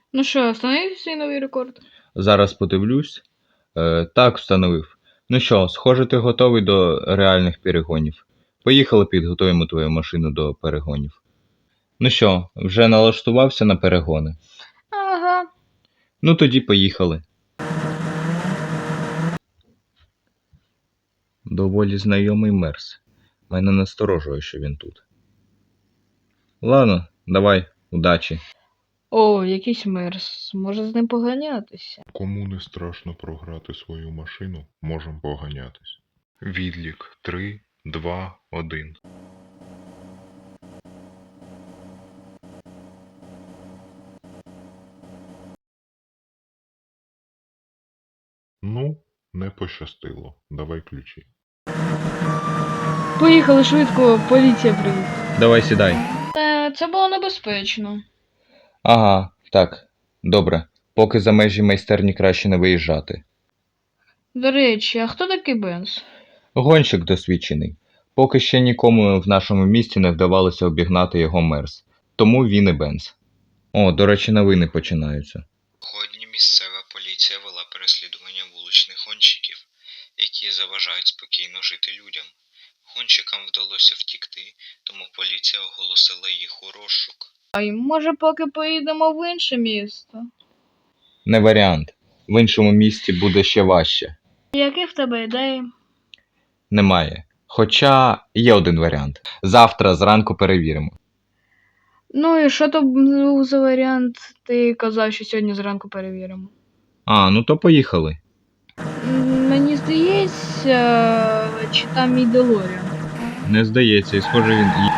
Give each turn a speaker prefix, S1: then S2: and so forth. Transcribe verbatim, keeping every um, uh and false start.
S1: Ну що, встановив свій новий рекорд?
S2: Зараз подивлюсь. Е, так, встановив. Ну що, схоже, ти готовий до реальних перегонів. Поїхали, підготуємо твою машину до перегонів. Ну що, вже налаштувався на перегони?
S1: Ага.
S2: Ну тоді поїхали. Доволі знайомий мерс. Мене насторожує, що він тут. Ладно, давай, удачі.
S1: О, якийсь мерс. Може з ним поганятися.
S3: Кому не страшно програти свою машину, можем поганятись. Відлік три, два, один. Ну, не пощастило. Давай ключі.
S1: Поїхали швидко, поліція прийде.
S2: Давай сідай.
S1: Е, це було небезпечно.
S2: Ага, так, добре. Поки за межі майстерні краще не виїжджати.
S1: До речі, а хто такий Бенз?
S2: Гонщик досвідчений. Поки ще нікому в нашому місті не вдавалося обігнати його мерс. Тому він і Бенз. О, до речі, новини починаються.
S4: Сьогодні місцева поліція вела переслідування вуличних гонщиків, які заважають спокійно жити людям. Гонщикам вдалося втікти, тому поліція оголосила їх у розшук.
S1: А й може поки поїдемо в інше місто?
S2: Не варіант. В іншому місті буде ще важче.
S1: Які в тебе ідеї?
S2: Немає. Хоча є один варіант. Завтра зранку перевіримо.
S1: Ну і що то був за варіант? Ти казав, що сьогодні зранку перевіримо.
S2: А, ну то поїхали.
S1: М, Мені здається, чи там мій Делоріан.
S2: Не здається, і схоже він